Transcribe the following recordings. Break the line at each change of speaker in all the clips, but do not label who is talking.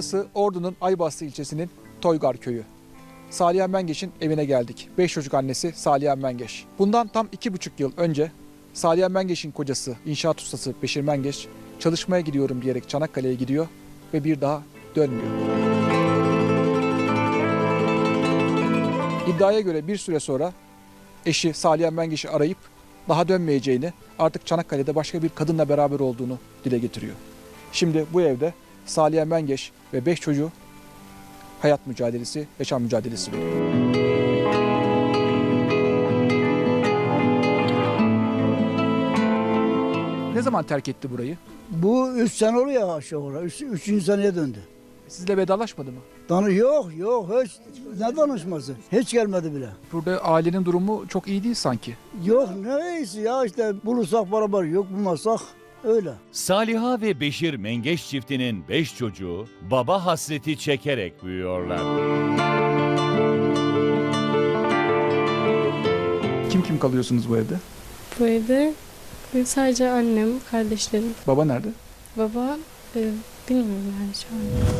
Burası Ordu'nun Aybastı ilçesinin Toygar köyü. Saliha Mengeş'in evine geldik. 5 çocuk annesi Saliha Mengeş. Bundan tam 2,5 yıl önce Saliha Mengeş'in kocası, inşaat ustası Beşir Mengeş çalışmaya gidiyorum diyerek Çanakkale'ye gidiyor ve bir daha dönmüyor. İddiaya göre bir süre sonra eşi Saliha Mengeş'i arayıp daha dönmeyeceğini, artık Çanakkale'de başka bir kadınla beraber olduğunu dile getiriyor. Şimdi bu evde Saliha Mengeş ve 5 çocuğu hayat mücadelesi, yaşam mücadelesi veriyor. Ne zaman terk etti burayı?
Bu 3 sene oluyor aşağı yukarı. 3. seneye döndü.
Sizle vedalaşmadı mı?
Yok hiç ne danışması? Hiç gelmedi bile.
Burada ailenin durumu çok iyi değil sanki.
Yok neyse ya işte bulursak beraber yok bulmazsak öyle.
Saliha ve Beşir Mengeş çiftinin 5 çocuğu baba hasreti çekerek büyüyorlar.
Kim kalıyorsunuz bu evde?
Bu evde sadece annem, kardeşlerim.
Baba nerede?
Baba bilmiyorum yani şu an.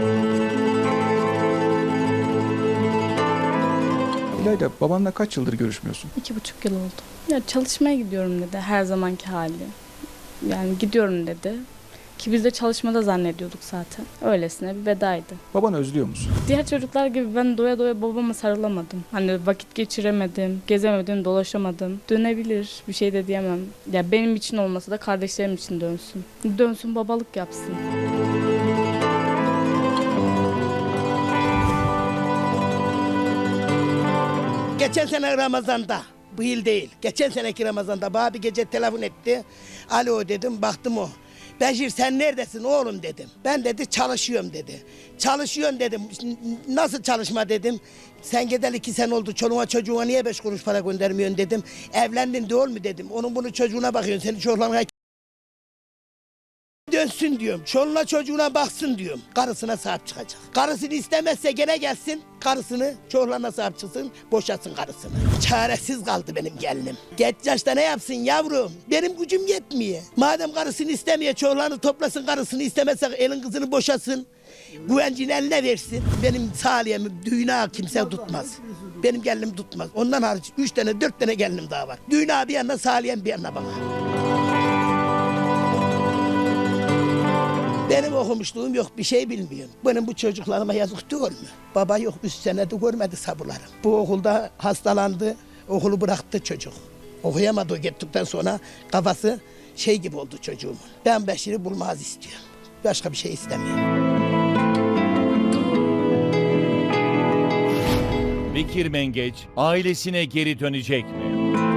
İlayda, babanla kaç yıldır görüşmüyorsun?
2,5 yıl oldu. Ya çalışmaya gidiyorum dedi, her zamanki hali. Yani gidiyorum dedi. Ki biz de çalışmada zannediyorduk zaten. Öylesine bir vedaydı.
Babanı özlüyor musun?
Diğer çocuklar gibi ben doya doya babama sarılamadım. Hani vakit geçiremedim, gezemedim, dolaşamadım. Dönebilir, bir şey de diyemem. Ya benim için olmasa da kardeşlerim için dönsün. Dönsün, babalık yapsın.
Geçen sene Ramazan'da, bu yıl değil, geçen seneki Ramazan'da bana bir gece telefon etti. Alo dedim, baktım o. Beşir sen neredesin oğlum dedim. Ben dedi çalışıyorum dedi. Çalışıyorum dedim. Nasıl çalışma dedim. Sen gideli 2 sene oldu, çoluğuna çocuğuna niye 5 kuruş para göndermiyorsun dedim. Evlendin değil mi dedim. Onun bunu çocuğuna bakıyorsun, senin çocuklarına dönsün diyorum. Çoluğuna çocuğuna baksın diyorum. Karısına sahip çıkacak. Karısını istemezse gene gelsin. Karısını çocuklarına sahip çıksın. Boşasın karısını. Çaresiz kaldı benim gelinim. Geç yaşta ne yapsın yavrum? Benim gücüm yetmiyor. Madem karısını istemiyor, çocuklarını toplasın, karısını istemezse elin kızını boşasın. Güvencini eline versin. Benim Saliha'mı düğüne kimse tutmaz. Benim gelinim tutmaz. Ondan hariç 3 tane 4 tane gelinim daha var. Düğüne bir yana, Saliha'm bir yana bana. Benim okumuşluğum yok, bir şey bilmiyorum. Benim bu çocuklarıma yazık değil mi? Baba yok, 3 senede görmedi sabırlarım. Bu okulda hastalandı, okulu bıraktı çocuk. Okuyamadı o gittikten sonra kafası şey gibi oldu çocuğumun. Ben Beşir'i bulmaz istiyorum. Başka bir şey istemiyorum.
Bekir Mengeç ailesine geri dönecek mi?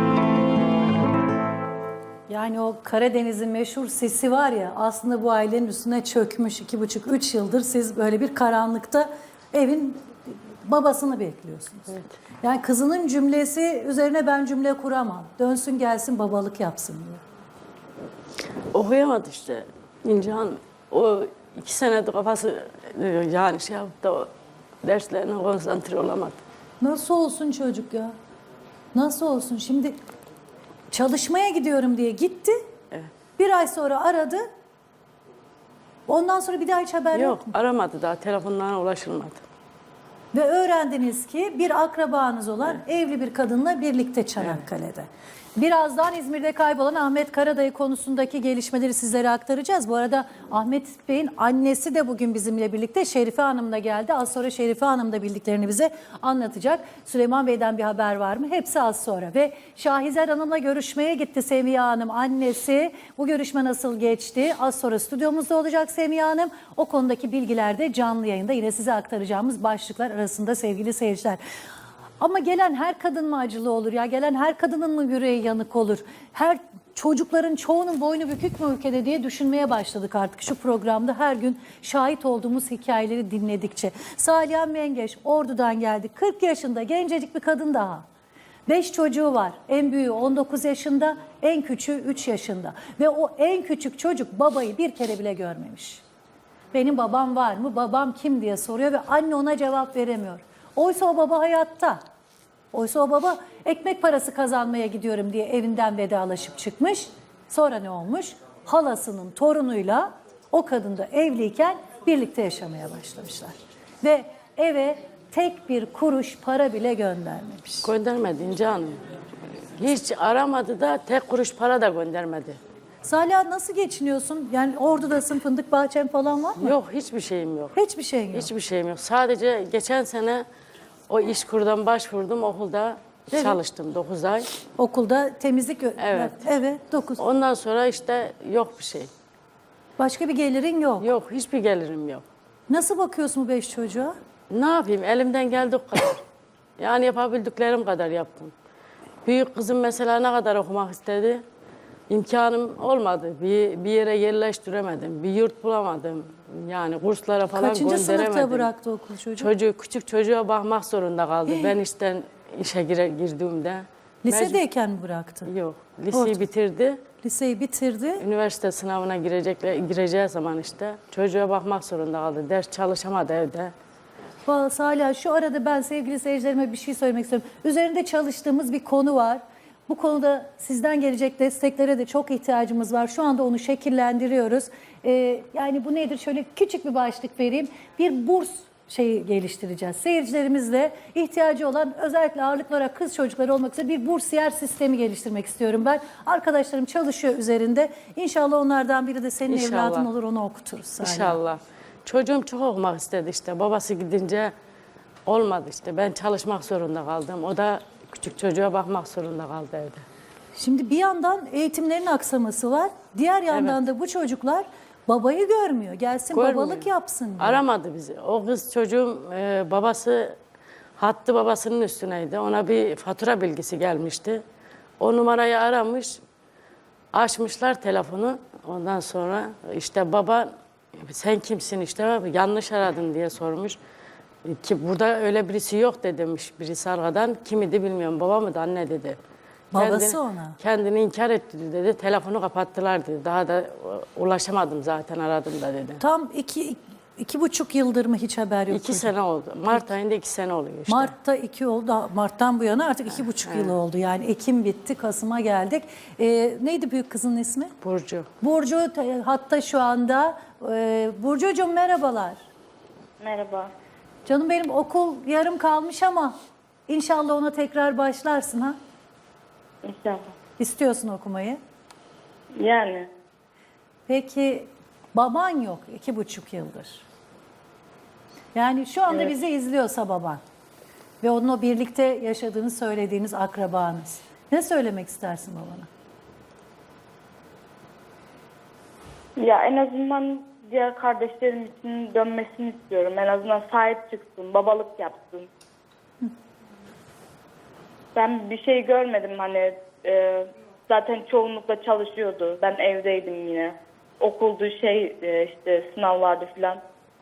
Yani o Karadeniz'in meşhur sesi var ya, aslında bu ailenin üstüne çökmüş 2,5-3 yıldır siz böyle bir karanlıkta evin babasını bekliyorsunuz. Evet. Yani kızının cümlesi üzerine ben cümle kuramam. Dönsün gelsin babalık yapsın diyor.
Okuyamadı işte İnce Hanım. O 2 senedir kafası yani şey yaptı, o derslerine konsantre olamadı.
Nasıl olsun çocuk ya? Nasıl olsun? Şimdi çalışmaya gidiyorum diye gitti.
Evet.
Bir ay sonra aradı. Ondan sonra bir daha hiç haber yok.
Yok, aramadı daha, telefonlarına ulaşılmadı.
Ve öğrendiniz ki bir akrabanız olan evli bir kadınla birlikte Çanakkale'de. Birazdan İzmir'de kaybolan Ahmet Karadayı konusundaki gelişmeleri sizlere aktaracağız. Bu arada Ahmet Bey'in annesi de bugün bizimle birlikte, Şerife Hanım da geldi. Az sonra Şerife Hanım da bildiklerini bize anlatacak. Süleyman Bey'den bir haber var mı? Hepsi az sonra. Ve Şahizer Hanım'la görüşmeye gitti Semiha Hanım, annesi. Bu görüşme nasıl geçti? Az sonra stüdyomuzda olacak Semiha Hanım. O konudaki bilgiler de canlı yayında yine size aktaracağımız başlıklar arasında sevgili seyirciler. Ama gelen her kadın mı acılı olur ya? Gelen her kadının mı yüreği yanık olur? Her çocukların çoğunun boynu bükük mü ülkede diye düşünmeye başladık artık şu programda her gün şahit olduğumuz hikayeleri dinledikçe. Saliha Mengeş Ordu'dan geldi. 40 yaşında gencecik bir kadın daha. 5 çocuğu var. En büyüğü 19 yaşında, en küçüğü 3 yaşında. Ve o en küçük çocuk babayı bir kere bile görmemiş. Benim babam var mı? Babam kim diye soruyor ve anne ona cevap veremiyor. Oysa o baba hayatta. Oysa o baba ekmek parası kazanmaya gidiyorum diye evinden vedalaşıp çıkmış. Sonra ne olmuş? Halasının torunuyla o kadın da evliyken birlikte yaşamaya başlamışlar. Ve eve tek bir kuruş para bile göndermemiş.
Göndermedi İnce Hanım. Hiç aramadı da tek kuruş para da göndermedi.
Salih nasıl geçiniyorsun? Yani Ordu'dasın, fındık bahçen falan var mı?
Yok hiçbir şeyim yok.
Hiçbir şeyin yok.
Hiçbir şeyim yok. Sadece geçen sene o İşkur'dan başvurdum okulda
Evet.
çalıştım 9 ay.
Okulda temizlik...
Evet.
Evet, 9.
Ondan sonra işte yok bir şey.
Başka bir gelirin yok.
Yok hiçbir gelirim yok.
Nasıl bakıyorsun bu 5 çocuğa?
Ne yapayım elimden geldiği kadar. Yani yapabildiklerim kadar yaptım. Büyük kızım mesela ne kadar okumak istedi. İmkanım olmadı. Bir yere yerleştiremedim. Bir yurt bulamadım. Yani kurslara falan
Kaçıncı
gönderemedim.
sınıfta bıraktı okul çocuğu?
Küçük çocuğa bakmak zorunda kaldı. Ben işten işe girdiğimde.
Lisedeyken mi bıraktı?
Yok. Liseyi
Orta.
bitirdi.
Liseyi bitirdi.
Üniversite sınavına gireceği zaman işte çocuğa bakmak zorunda kaldı. Ders çalışamadı evde.
Vallahi Salih, şu arada ben sevgili seyircilerime bir şey söylemek istiyorum. Üzerinde çalıştığımız bir konu var. Bu konuda sizden gelecek desteklere de çok ihtiyacımız var. Şu anda onu şekillendiriyoruz. Yani bu nedir? Şöyle küçük bir başlık vereyim. Bir burs geliştireceğiz. Seyircilerimizle ihtiyacı olan, özellikle ağırlıklı olarak kız çocukları olmak üzere bir bursiyer sistemi geliştirmek istiyorum ben. Arkadaşlarım çalışıyor üzerinde. İnşallah onlardan biri de senin
İnşallah.
evladın olur, onu okuturuz Salih.
İnşallah. Çocuğum çok okumak istedi işte. Babası gidince olmadı işte. Ben çalışmak zorunda kaldım. O da küçük çocuğa bakmak zorunda kaldı evde.
Şimdi bir yandan eğitimlerin aksaması var. Diğer yandan da bu çocuklar babayı görmüyor. Gelsin
Görmüyor.
babalık yapsın diye.
Aramadı bizi. O kız çocuğum babası hattı babasının üstüneydi. Ona bir fatura bilgisi gelmişti. O numarayı aramış. Açmışlar telefonu. Ondan sonra işte baba sen kimsin işte yanlış aradın diye sormuş. Ki burada öyle birisi yok de demiş birisi arkadan. Kim idi bilmiyorum baba mıydı anne dedi.
Babası ona.
Kendini inkar etti dedi. Telefonu kapattılar dedi. Daha da ulaşamadım zaten aradım da dedi.
Tam 2,5 yıldır mı hiç haber yok?
2 sene oldu. Mart ayında 2 sene oluyor işte.
Mart'ta 2 oldu. Mart'tan bu yana artık 2,5 yıl oldu. Yani Ekim bitti, Kasım'a geldik. Neydi büyük kızın ismi?
Burcu.
Burcu hatta şu anda. Burcucuğum merhabalar.
Merhaba.
Canım benim, okul yarım kalmış ama inşallah ona tekrar başlarsın ha.
İnşallah.
İstiyorsun okumayı.
Yani
Peki baban yok 2,5 yıldır. Yani şu anda bizi izliyorsa baban ve onunla birlikte yaşadığını söylediğiniz akrabanız. Ne söylemek istersin babana?
ya en azından diğer kardeşlerim için dönmesini istiyorum. En azından sahip çıksın, babalık yapsın. Ben bir şey görmedim hani zaten çoğunlukla çalışıyordu. Ben evdeydim yine. Okuldu işte sınavlardı filan.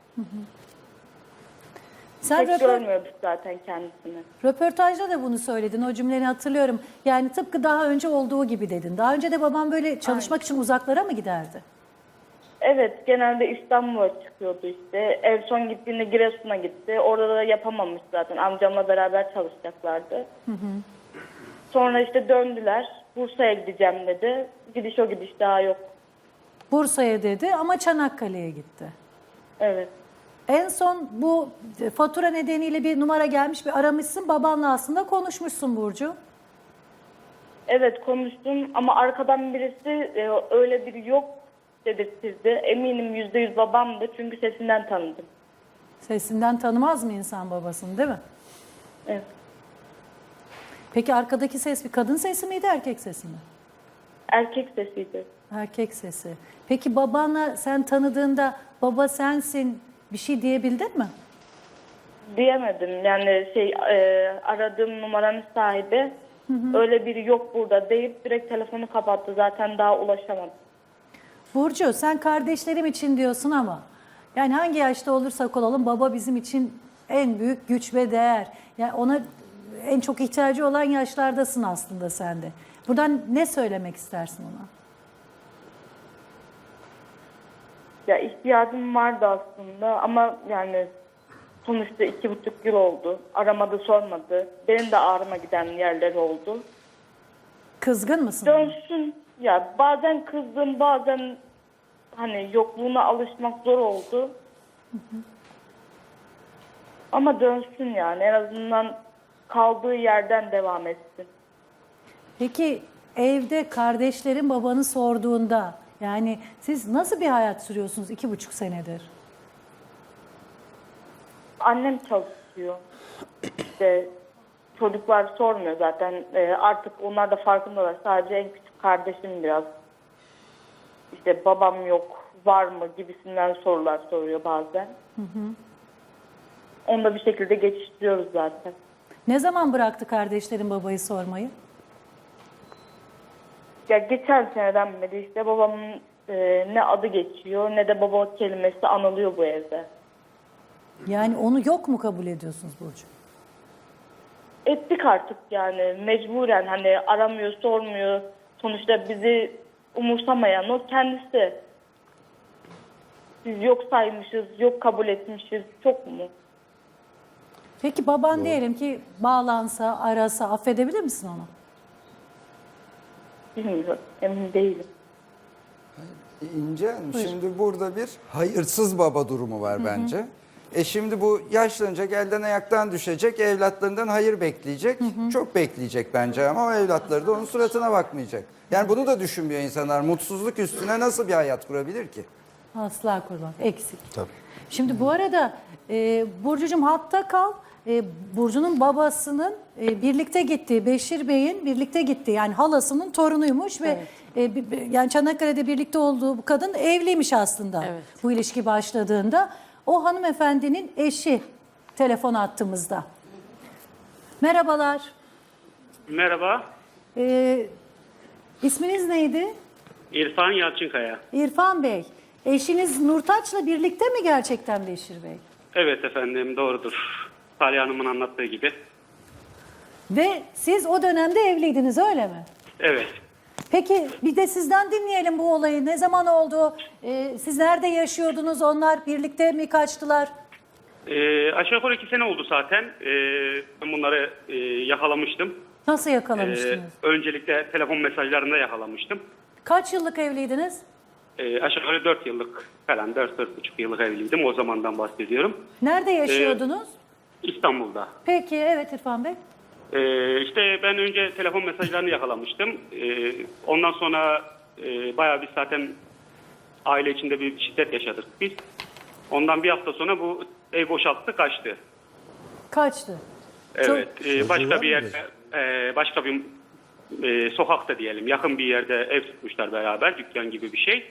Sen
Pek görmüyorduk zaten kendisini.
röportajda da bunu söyledin. O cümleni hatırlıyorum. Yani tıpkı daha önce olduğu gibi dedin. Daha önce de babam böyle çalışmak için uzaklara mı giderdi?
Evet, genelde İstanbul'a çıkıyordu işte. En son gittiğinde Giresun'a gitti. Orada da yapamamış zaten. Amcamla beraber çalışacaklardı. Sonra işte döndüler. Bursa'ya gideceğim dedi. Gidiş o gidiş daha yok.
Bursa'ya dedi ama Çanakkale'ye gitti.
Evet.
En son bu fatura nedeniyle bir numara gelmiş, bir aramışsın. Babanla aslında konuşmuşsun Burcu.
Evet konuştum ama arkadan birisi öyle biri yok dedirtirdi. Eminim %100 babamdı çünkü sesinden tanıdım.
Sesinden tanımaz mı insan babasını, değil mi?
Evet.
Peki arkadaki ses bir kadın sesi miydi, erkek sesi mi?
Erkek sesiydi.
Erkek sesi. Peki babanla sen tanıdığında baba sensin bir şey diyebildin mi?
Diyemedim yani aradığım numaranın sahibi öyle biri yok burada deyip direkt telefonu kapattı. Zaten daha ulaşamadım.
Burcu, sen kardeşlerim için diyorsun ama yani hangi yaşta olursak olalım baba bizim için en büyük güç ve değer. Yani ona en çok ihtiyacı olan yaşlardasın aslında sen de. Buradan ne söylemek istersin ona?
Ya ihtiyacım vardı aslında ama yani sonuçta 2,5 yıl oldu. Aramadı sormadı. Benim de ağrıma giden yerler oldu.
Kızgın mısın?
Dönsün. Ya bazen kızdım bazen hani yokluğuna alışmak zor oldu. Ama dönsün yani, en azından kaldığı yerden devam etsin.
Peki evde kardeşlerin babanı sorduğunda yani siz nasıl bir hayat sürüyorsunuz 2,5 senedir?
Annem çalışıyor. İşte çocuklar sormuyor zaten. Artık onlar da farkındalar. Sadece en küçük kardeşim biraz. İşte babam yok, var mı gibisinden sorular soruyor bazen. Onu da bir şekilde geçiştiriyoruz zaten.
Ne zaman bıraktı kardeşlerin babayı sormayı?
Ya geçen seneden beri işte babamın ne adı geçiyor ne de baba kelimesi anılıyor bu evde.
Yani onu yok mu kabul ediyorsunuz Burcu?
Ettik artık yani mecburen, hani aramıyor, sormuyor. Sonuçta bizi umursamayan o kendisi. Biz yok saymışız, yok kabul etmişiz. Çok mu?
Peki baban diyelim ki bağlansa, arasa affedebilir misin onu?
Bilmiyorum, emin değilim.
İnce Hanım, şimdi burada bir hayırsız baba durumu var bence. Şimdi bu yaşlanınca elden ayaktan düşecek, evlatlarından hayır bekleyecek. Çok bekleyecek bence ama o evlatları da onun suratına bakmayacak. Yani bunu da düşünmüyor insanlar. Mutsuzluk üstüne nasıl bir hayat kurabilir ki?
Asla kurban. Eksik.
Tabii.
Şimdi bu arada Burcucuğum hatta kal. Burcu'nun babasının birlikte gittiği, Beşir Bey'in birlikte gittiği yani halasının torunuymuş ve yani Çanakkale'de birlikte olduğu bu kadın evliymiş aslında
Evet.
bu ilişki başladığında. O hanımefendinin eşi telefon attığımızda. Merhabalar.
Merhaba,
İsminiz neydi?
İrfan Yalçınkaya.
İrfan Bey. Eşiniz Nurtaç'la birlikte mi gerçekten Beşir Bey?
Evet efendim, doğrudur. Salih Hanım'ın anlattığı gibi.
Ve siz o dönemde evliydiniz öyle mi?
Evet,
Peki bir de sizden dinleyelim bu olayı. Ne zaman oldu? Siz nerede yaşıyordunuz? Onlar birlikte mi kaçtılar?
aşağı yukarı 2 sene oldu zaten. Ben bunları yakalamıştım.
Nasıl yakalamıştınız?
Öncelikle telefon mesajlarında yakalamıştım.
Kaç yıllık evliydiniz?
Aşağı yukarı 4 yıllık falan, 4-4,5 yıllık evliydim. O zamandan bahsediyorum.
Nerede yaşıyordunuz?
İstanbul'da.
Peki evet İrfan Bey.
İşte ben önce telefon mesajlarını yakalamıştım. Ondan sonra bayağı bir zaten aile içinde bir şiddet yaşadık biz. Ondan bir hafta sonra bu ev boşalttı, kaçtı.
Kaçtı.
Evet, başka bir yerde, başka bir sokakta diyelim, yakın bir yerde ev tutmuşlar beraber, dükkan gibi bir şey.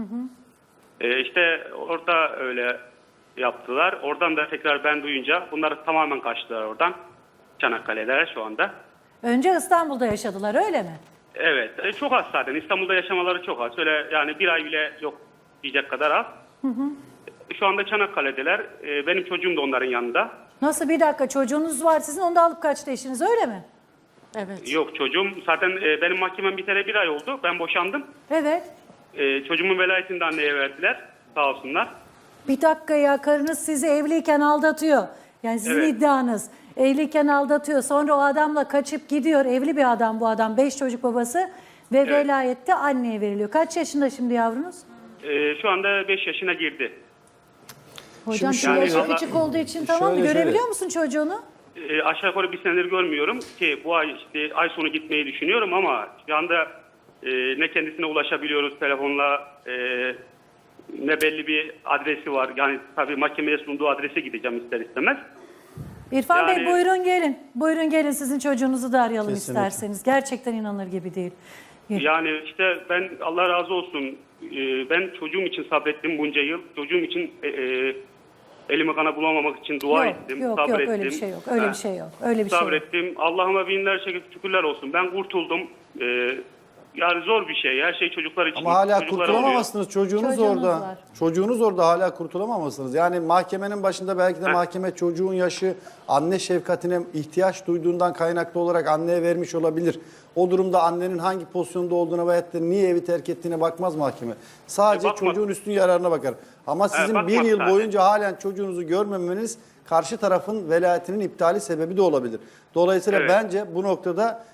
İşte orada öyle yaptılar. Oradan da tekrar ben duyunca bunlar tamamen kaçtılar oradan. Çanakkale'de şu anda.
Önce İstanbul'da yaşadılar öyle mi?
Evet, çok az zaten. İstanbul'da yaşamaları çok az. Öyle yani bir ay bile yok diyecek kadar az. Şu anda Çanakkale'deler. Benim çocuğum da onların yanında.
Nasıl bir dakika çocuğunuz var sizin onu da alıp kaçtı eşiniz öyle mi?
Evet.
Yok çocuğum. Zaten benim mahkemem biteli bir ay oldu. Ben boşandım.
Evet.
Çocuğumun velayetini de anneye verdiler. Sağ olsunlar.
Bir dakika ya karınız sizi evliyken aldatıyor. Yani sizin
Evet.
iddianız. Evliyken aldatıyor. Sonra o adamla kaçıp gidiyor. Evli bir adam bu adam. 5 çocuk babası. Ve velayette anneye veriliyor. Kaç yaşında şimdi yavrunuz?
Şu anda 5 yaşına girdi.
Hocam
Şimdi
şu yaşı
valla-
küçük olduğu için tamam mı?
Şöyle.
Görebiliyor musun çocuğunu?
Aşağı yukarı bir senedir görmüyorum ki bu ay işte ay sonu gitmeyi düşünüyorum ama şu anda ne kendisine ulaşabiliyoruz telefonla, ne belli bir adresi var. Yani tabii mahkemeye sunduğu adrese gideceğim ister istemez.
İrfan Bey
Yani-
buyurun gelin. Buyurun gelin sizin çocuğunuzu da arayalım
Kesinlikle.
isterseniz. Gerçekten inanılır gibi değil.
Yani işte ben Allah razı olsun, ben çocuğum için sabrettim bunca yıl. Çocuğum için elimi kana bulamamak için dua ettim,
yok
sabrettim.
öyle bir şey yok. Öyle bir şey yok. Öyle bir şey yok.
Sabrettim. Allah'ıma binlerce şükürler olsun. Ben kurtuldum. Yani zor bir şey. Her şey çocuklar için.
Ama hala
Çocuklara
kurtulamamışsınız. Çocuğunuz
Çocuğunuz
orada.
var.
Çocuğunuz orada hala kurtulamamışsınız. Yani mahkemenin başında belki de mahkeme çocuğun yaşı anne şefkatine ihtiyaç duyduğundan kaynaklı olarak anneye vermiş olabilir. O durumda annenin hangi pozisyonda olduğuna veyahut da niye evi terk ettiğine bakmaz mahkeme. Sadece
Bakmaz.
çocuğun üstün yararına bakar. Ama sizin
bakmaz
bir yıl
zaten.
boyunca halen çocuğunuzu görmemeniz karşı tarafın velayetinin iptali sebebi de olabilir. Dolayısıyla
Evet.
bence bu noktada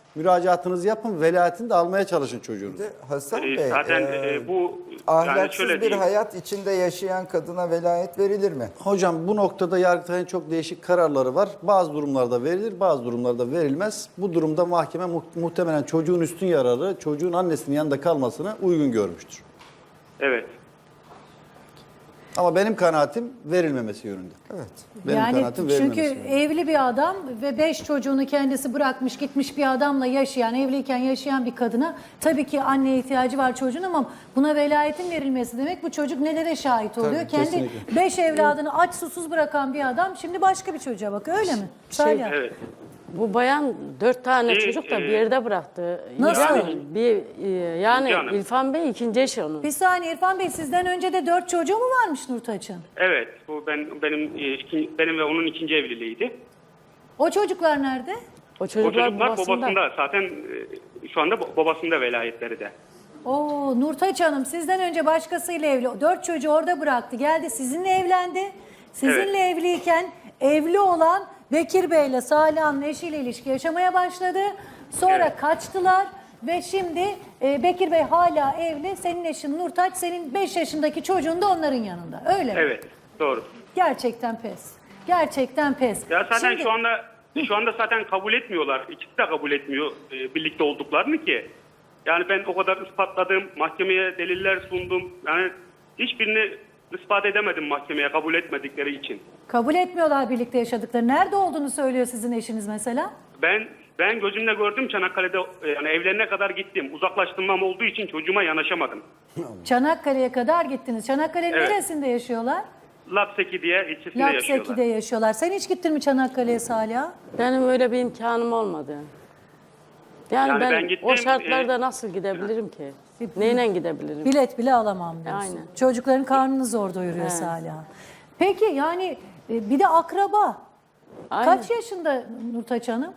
Müracaatınızı yapın, velayetini de almaya çalışın çocuğunuz.
Hasan Bey,
Zaten bu yani
ahlaksız
şöyle
bir
diyeyim.
hayat içinde yaşayan kadına velayet verilir mi?
Hocam bu noktada Yargıtay'ın çok değişik kararları var. Bazı durumlarda verilir, bazı durumlarda verilmez. Bu durumda mahkeme muhtemelen çocuğun üstün yararı, çocuğun annesinin yanında kalmasını uygun görmüştür.
Evet.
Ama benim kanaatim verilmemesi yönünde.
Evet.
Benim
Yani
kanaatim
çünkü
verilmemesi yönünde.
evli bir adam ve 5 çocuğunu kendisi bırakmış gitmiş bir adamla yaşayan, evliyken yaşayan bir kadına tabii ki anneye ihtiyacı var çocuğun ama buna velayetin verilmesi demek bu çocuk nelere şahit oluyor?
Tabii,
Kendi
kesinlikle.
5 evladını aç susuz bırakan bir adam şimdi başka bir çocuğa bakıyor öyle mi? Salih.
Evet.
Bu bayan 4 tane
Şey,
çocuk da bir yerde bıraktı.
Nasıl?
Yani
Canım.
İrfan Bey ikinci eşi onun.
Bir saniye İrfan Bey sizden önce de 4 çocuğu mu varmış Nurtaç'ın?
Evet. Bu benim ve onun ikinci evliliğiydi.
O çocuklar nerede?
O
O
çocuklar
çocuklar
babasında.
babasında. Zaten şu anda babasında velayetleri de.
Oo Nurtaç Hanım sizden önce başkasıyla evli. 4 çocuğu orada bıraktı. Geldi sizinle evlendi. Sizinle evliyken evli olan Bekir Bey ile Salih Hanım'ın eşiyle ilişki yaşamaya başladı. Sonra
Evet.
kaçtılar ve şimdi Bekir Bey hala evli. Senin eşin Nurtaç, senin 5 yaşındaki çocuğun da onların yanında. Öyle mi?
Evet. Doğru.
Gerçekten pes. Gerçekten pes.
Ya zaten
Şimdi-
şu anda zaten kabul etmiyorlar. İkisi de kabul etmiyor birlikte olduklarını ki. Yani ben o kadar ispatladım, mahkemeye deliller sundum. Yani hiçbirini ispat edemedim mahkemeye kabul etmedikleri için.
Kabul etmiyorlar birlikte yaşadıkları. Nerede olduğunu söylüyor sizin eşiniz mesela?
Ben gözümle gördüm Çanakkale'de, yani evlerine kadar gittim. Uzaklaştırmam olduğu için çocuğuma yanaşamadım.
Çanakkale'ye kadar gittiniz. Çanakkale'nin
Evet.
neresinde yaşıyorlar?
Lapseki diye ilçesinde yaşıyorlar.
Lapseki'de yaşıyorlar. Sen hiç gittin mi Çanakkale'ye Salih'a?
Benim öyle bir imkanım olmadı. Yani ben
gittim,
o şartlarda nasıl gidebilirim ki? Neyle gidebilirim?
Bilet bile alamam diyorsun.
Aynen.
Çocukların karnını zor doyuruyor
Evet.
Salih'a. Peki yani bir de akraba.
Aynen.
Kaç yaşında Nurtaç Hanım?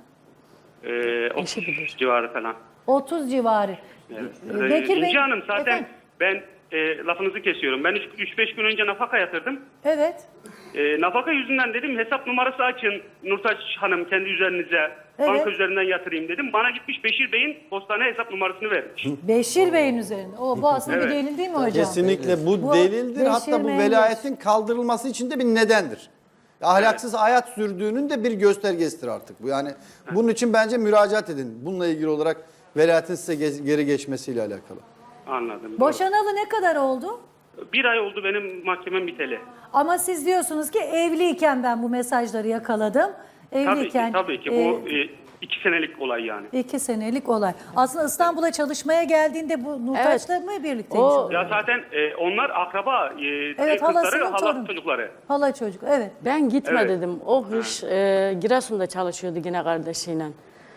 30 civarı falan.
30 civarı.
Evet.
Bekir Bey.
İnci Hanım zaten
Efendim?
ben lafınızı kesiyorum. Ben 3-5 gün önce nafaka yatırdım.
Evet.
Nafaka yüzünden dedim hesap numarası açın Nurtaç Hanım kendi üzerinize.
Evet.
Banka üzerinden yatırayım dedim. Bana gitmiş Beşir Bey'in postane hesap numarasını vermiş.
Beşir Bey'in üzerinde. Bu aslında bir
Evet.
delil değil mi hocam?
Kesinlikle bu,
Bu
delildir.
Beşir
Hatta bu
Menderes.
velayetin kaldırılması için de bir nedendir. Ahlaksız hayat sürdüğünün de bir göstergesidir artık bu. Yani bunun için bence müracaat edin. Bununla ilgili olarak velayetin size geri geçmesiyle alakalı.
Anladım.
Boşanalı ne kadar oldu?
Bir ay oldu benim mahkemem biteli.
Ama siz diyorsunuz ki evliyken ben bu mesajları yakaladım. Evliyken,
Tabii ki. Bu 2 senelik olay yani.
2 senelik olay. Aslında İstanbul'a çalışmaya geldiğinde bu Nurtaç'la mı birlikteymiş?
O-
oluyor?
Ya zaten onlar akraba,
Evet,
kızları,
halasının
hala
torunu.
çocukları.
Hala çocuk, evet.
Ben gitme
Evet.
dedim. O hış Giresun'da çalışıyordu yine kardeşiyle.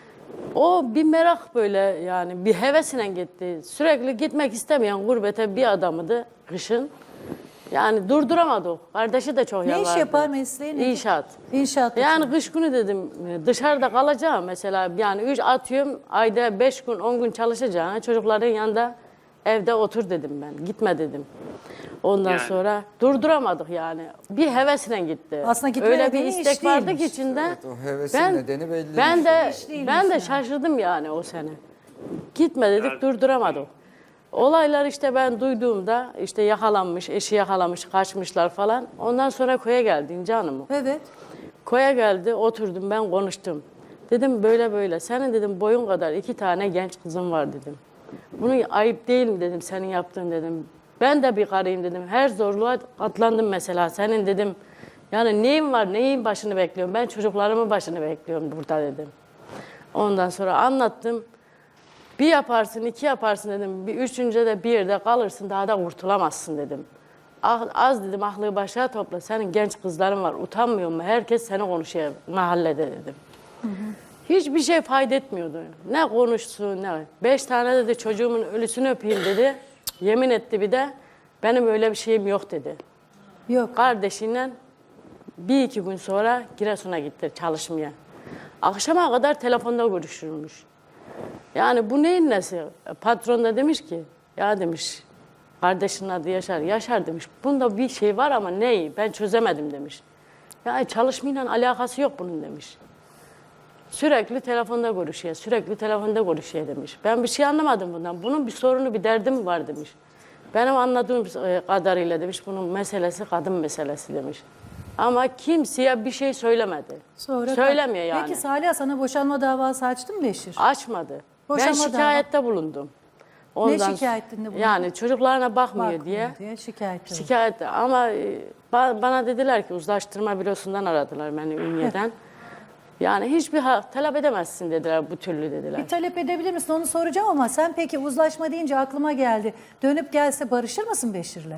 O bir merak böyle yani bir hevesine gitti. Sürekli gitmek istemeyen gurbete bir adamıydı kışın. Yani durduramadı o. Kardeşi de çok
Ne
yalvardı.
iş yapar, mesleği ne?
İnşaat.
İnşaat.
Yani kış günü dedim dışarıda kalacağım mesela yani 3 atıyorum ayda 5 gün 10 gün çalışacağım. Çocukların yanında evde otur dedim ben. Gitme dedim. Ondan
Yani.
sonra durduramadık yani. Bir hevesine gitti.
Aslında gitme
Öyle bir
nedeni iş
istek vardı ki
değilmiş.
içinde.
Evet, o hevesin nedeni belli.
Ben de
İş değilmiş
ben de
yani.
şaşırdım yani o sene. Gitme dedik
Evet.
durduramadık. Olaylar işte ben duyduğumda işte yakalanmış, eşi yakalamış, kaçmışlar falan. Ondan sonra koya geldi İnci Hanım.
Evet.
Koya geldi, oturdum ben konuştum. Dedim böyle böyle, senin dedim boyun kadar 2 tane genç kızım var dedim. Bunu ayıp değil mi dedim senin yaptığın dedim. Ben de bir karıyım dedim. Her zorluğa katlandım mesela senin dedim. Yani neyim var, neyin başını bekliyorum? Ben çocuklarımın başını bekliyorum burada dedim. Ondan sonra anlattım. Bir yaparsın, 2 yaparsın dedim. Bir üçüncüde de bir yerde kalırsın, daha da kurtulamazsın dedim. Az dedim, aklı başına topla. Senin genç kızların var, utanmıyor mu? Herkes seni konuşuyor mahallede dedim. Hiçbir şey fayda etmiyordu. Ne konuşsun, ne. 5 tane dedi çocuğumun ölüsünü öpeyim dedi. Yemin etti bir de. Benim öyle bir şeyim yok dedi.
Yok.
Kardeşiyle 1-2 gün sonra Giresun'a gitti çalışmaya. Akşama kadar telefonda görüşürmüş. Yani bu neyin nesi? Patron da demiş ki, ya demiş, kardeşinin adı Yaşar. Yaşar demiş, bunda bir şey var ama neyi? Ben çözemedim demiş. Yani çalışmayla alakası yok bunun demiş. Sürekli telefonda görüşüyor, sürekli telefonda görüşüyor demiş. Ben bir şey anlamadım bundan. Bunun bir sorunu, bir derdi mi var demiş. Benim anladığım kadarıyla demiş, bunun meselesi kadın meselesi demiş. Ama kimseye bir şey söylemedi.
Sonra
Söylemiyor yani.
Peki Salih sana boşanma davası açtı mı Beşir?
Açmadı.
Boşanma
Ben şikayette bulundum.
şikayetinde bulundun?
Yani çocuklarına bakmıyor
Bakmıyor
diye.
şikayet.
Şikayette ama bana dediler ki uzlaştırma bürosundan aradılar beni Ünye'den. Yani hiçbir hak talep edemezsin dediler, bu türlü dediler.
Bir talep edebilir misin onu soracağım ama sen peki uzlaşma deyince aklıma geldi. Dönüp gelse barışır mısın Beşir'le?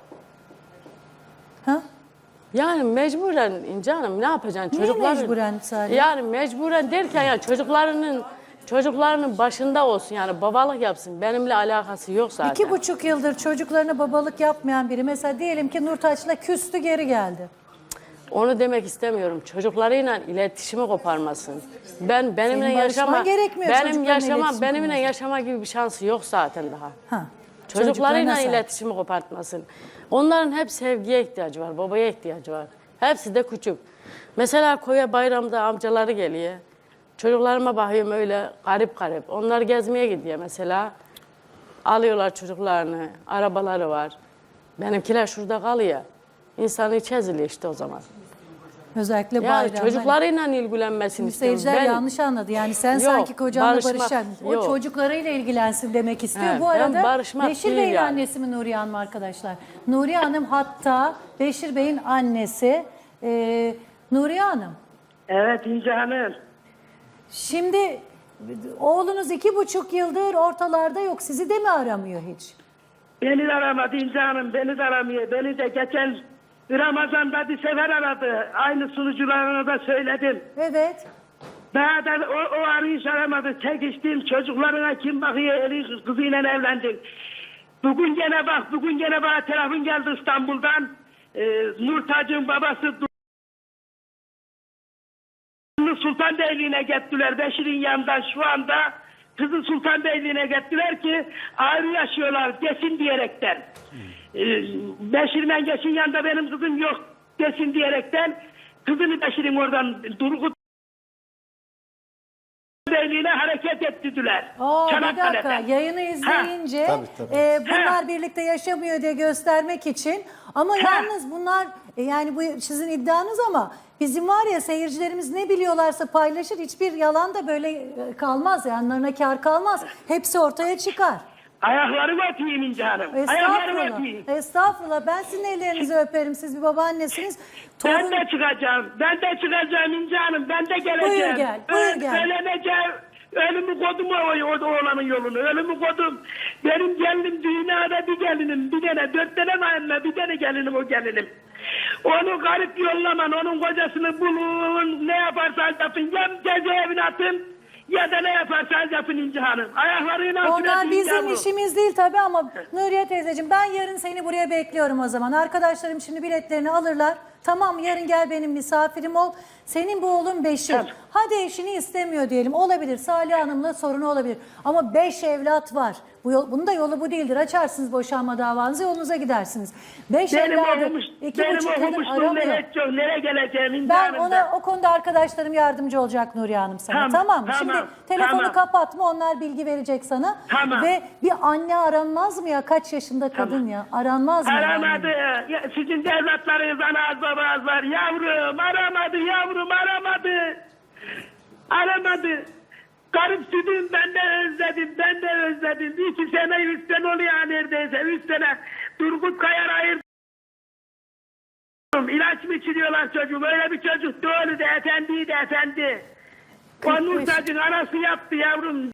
Ha?
Yani mecburen İnce Hanım ne yapacaksın?
Niye mecburen Salih?
Yani mecburen derken ya çocuklarının başında olsun yani babalık yapsın. Benimle alakası yok zaten.
2,5 yıldır çocuklarına babalık yapmayan biri mesela diyelim ki Nurtaç'la küstü geri geldi.
Onu demek istemiyorum. Çocuklarıyla iletişimi koparmasın. Benimle
Senin barışman
yaşama
gerekmiyor çocuklarla
benimle
iletişim
yaşama gibi bir şansı yok zaten daha.
Ha.
Çocuklarıyla
sahip.
iletişimi kopartmasın. Onların hep sevgiye ihtiyacı var, babaya ihtiyacı var. Hepsi de küçük. Mesela koya bayramda amcaları geliyor. Çocuklarıma bakıyorum öyle garip garip. Onlar gezmeye gidiyor mesela. Alıyorlar çocuklarını, arabaları var. Benimkiler şurada kalıyor. İnsanı içi eziliyor işte o zaman.
Özellikle
Yani
bayramda.
çocuklarıyla ilgilenmesini istiyorum.
Seyirciler yanlış anladı. Yani sen
Yok,
sanki kocanla
barışmak
barışacaksın. O
yok.
çocuklarıyla ilgilensin demek istiyor.
He,
Bu
ben
arada
barışmak
Beşir
değil
Bey'in
yani.
annesi mi Nuriye Hanım arkadaşlar? Nuriye Hanım hatta Beşir Bey'in annesi Nuriye Hanım.
Evet İnce Hanım.
Şimdi oğlunuz 2,5 yıldır ortalarda yok. Sizi de mi aramıyor hiç?
Beni de aramadı İnce Hanım, beni de aramıyor. Beni de geçen Ramazan'da bir sefer aradı. Aynı sunucularına da söyledim.
Evet.
Daha da o arayış aramadı. Çekiştim, çocuklarına kim bakıyor, eli kızıyla evlendim. Bugün gene bana telefon geldi İstanbul'dan. Nurtaç'ın babası Sultanbeyli'ne gittiler. Beşir'in yanından şu anda kızı Sultanbeyli'ne gittiler ki ayrı yaşıyorlar desin diyerekten. Beşir Mengeş'in yanında benim kızım yok desin diyerekten kızını Beşir'in oradan Turgut Beyliğine hareket ettirdiler.
Bir dakika yayını izleyince bunlar birlikte yaşamıyor diye göstermek için ama yalnız bunlar yani bu sizin iddianız ama bizim var ya seyircilerimiz ne biliyorlarsa paylaşır, hiçbir yalan da böyle kalmaz, yanlarına kar kalmaz, hepsi ortaya çıkar.
Ayaklarımı öpeyim İnce Hanım. Ayaklarımı öpeyim.
Estağfurullah, ben sizin ellerinizi öperim, siz bir babaannesiniz.
Ben de çıkacağım İnce Hanım, ben de geleceğim.
Buyur gel.
Söyleneceğim. Ölümü kodum o oğlanın yolunu. Ölümü kodum. Benim gelinim dünyada bir gelinim. Bir tane 4 tane mayınla bir tane gelinim o gelinim. Onu garip yollaman. Onun kocasını bulun. Ne yaparsan yapın. Ya cezaevine atın. Ya da ne yaparsanız yapın İnce Hanım. Ayaklarıyla
Onlar bizim işimiz değil tabii ama Nuriye teyzeciğim ben yarın seni buraya bekliyorum o zaman. Arkadaşlarım şimdi biletlerini alırlar. Tamam, yarın gel benim misafirim ol. Senin bu oğlun Beşir.
Tamam.
Hadi eşini istemiyor diyelim. Olabilir. Salih Hanım'la sorunu olabilir. Ama 5 evlat var. Bunun da yolu bu değildir. Açarsınız boşanma davanızı, yolunuza gidersiniz. 5 evladı 2,5 yıldır aramıyor.
Nereye geleceğim İnce
Ben
Hanım?
o konuda arkadaşlarım yardımcı olacak Nuriye Hanım sana. Tamam mı? Şimdi telefonu kapatma, onlar bilgi verecek sana.
Tamam.
Ve bir anne aranmaz mı ya? Kaç yaşında kadın ya? Aranmaz mı?
Aramadı. Ya, sizin de evlatlarınız anaz babanız var. Yavrum aramadı. Aramadı. Garip sütüm ben de özledim. 2 sene 3 sene oluyor neredeyse. 3 sene Turgut Kayar ayırdı. İlaç mı içiriyorlar çocuğum? Öyle bir çocuk doğru da efendi. O Nurtaç'ın anası yaptı yavrum.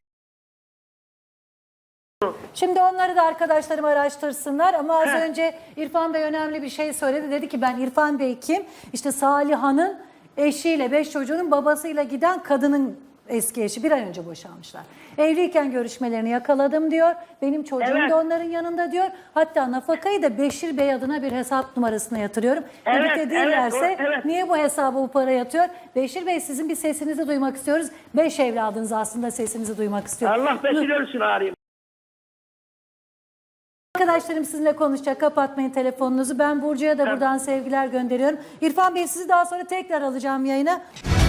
Şimdi onları da arkadaşlarım araştırsınlar ama az önce İrfan Bey önemli bir şey söyledi. Dedi ki ben İrfan Bey kim? İşte Saliha'nın eşiyle 5 çocuğunun babasıyla giden kadının eski eşi, bir ay önce boşanmışlar. Evliyken görüşmelerini yakaladım diyor. Benim çocuğum da onların yanında diyor. Hatta nafakayı da Beşir Bey adına bir hesap numarasına yatırıyorum. Birlikte değillerse niye bu hesaba bu para yatıyor? Beşir Bey sizin bir sesinizi duymak istiyoruz. 5 evladınız aslında sesinizi duymak istiyor.
Allah Beşir ölsün arayayım.
Arkadaşlarım sizinle konuşacak. Kapatmayın telefonunuzu. Ben Burcu'ya da buradan sevgiler gönderiyorum. İrfan Bey sizi daha sonra tekrar alacağım yayına.